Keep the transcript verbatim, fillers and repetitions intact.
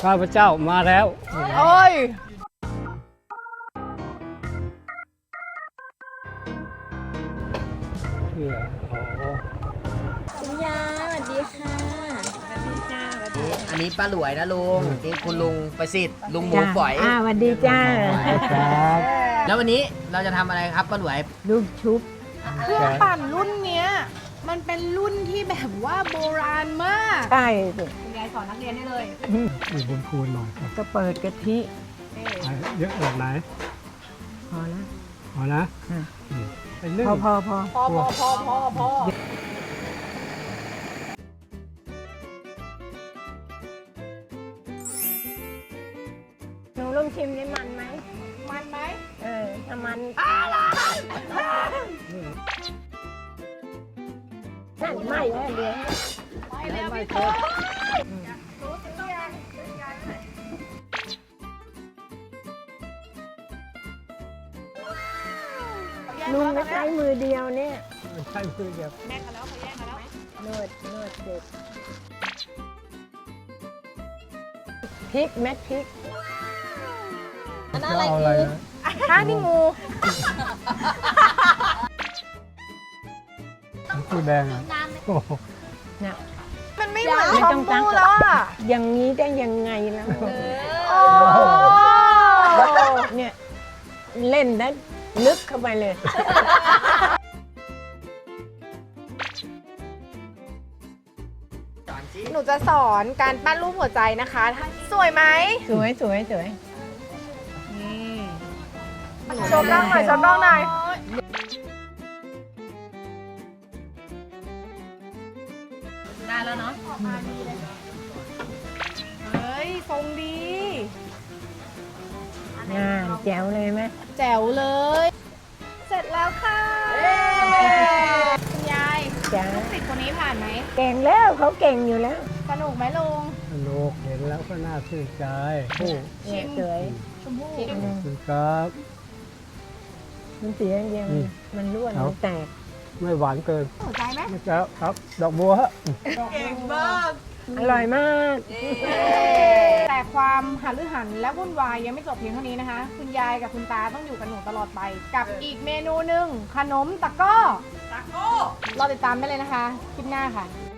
ข้าพเจ้ามาแล้วโอ้ยเชื่อโอ้คุณยายสวัสดีค่ะสวัสดีจ้าสวัสดีอันนี้ป้าหลวยนะลุงนี่คุณลุงประสิทธิ์ลุงหมูฝอยอ่าสวัสดีจ้าครับแล้ววันนี้เราจะทำอะไรครับป้าหลวยลูกชุบเครื่องปั่นรุ่นเนี้ยมันเป็นรุ่นที่แบบว่าโบราณมากใช่สิคุณยายสอนนักเรียนได้เลยมีบุญคูณหน่อยครับก็เปิดกะทิเยอะแบบไหนพอแล้วพอนะอ่ะอืมไปนึ่งพอพอพอพอพอพอพอพอหนูลองชิมได้มันไหมมันไหมเออถ้ามันนั่นไม่แล้วเดี๋ยวไปแล้วพี่โตรู้สึกยังลุงก็ใช้มือเดียวเนี่ยใช่คือแบบแม่กันแล้วเขาแย่งกันแล้วนวดนวดเสร็จพริกเม็ดพริกจะเอาอะไรนะข้างนี่งูคูแดงอ่ะโอ้โหเนี่ยมันไม่เหมือนไม่ชต้มองตั้งพู่แล้วอ่ะอย่างนี้ได้ยังไงแล้วโอ้เนี่ยเล่นได้ลึกเข้าไปเลยหนูจะสอนการปั้นรูปหัวใจนะคะ สวยไหมสวยสวยสวยชมน้องหน่อยชมน้องหน่อยได้แล้วเนาะเฮ้ยทรงดีงานแจ๋วเลยไหมแจ๋วเลย เสร็จแล้วค่ะคุณยายจ๋าลูกศิษย์คนนี้ผ่านไหมเก่งแล้วเขาเก่งอยู่แล้วสนุกไหมลุงสนุกเห็นแล้วก็น่าชื่นใจโอ้เนี่ยสวยชมพู่อืมคุณครับมันเสียอย่างเดียวอืมมันร่วนเอามัมันแตกไม่หวานเกินหัวใจไหมไม่จะครับ ดอกบัวฮะเก่งมากอร่อยมากแต่ความหันหรือหันและวุ่นวายยังไม่จบเพียงเท่านี้นะคะ คุณยายกับคุณตาต้องอยู่กับหนูตลอดไป กับอีกเมนูหนึ่งขนมตะกร้อตะกร้อรอติดตามได้เลยนะคะ คลิปหน้าค่ะ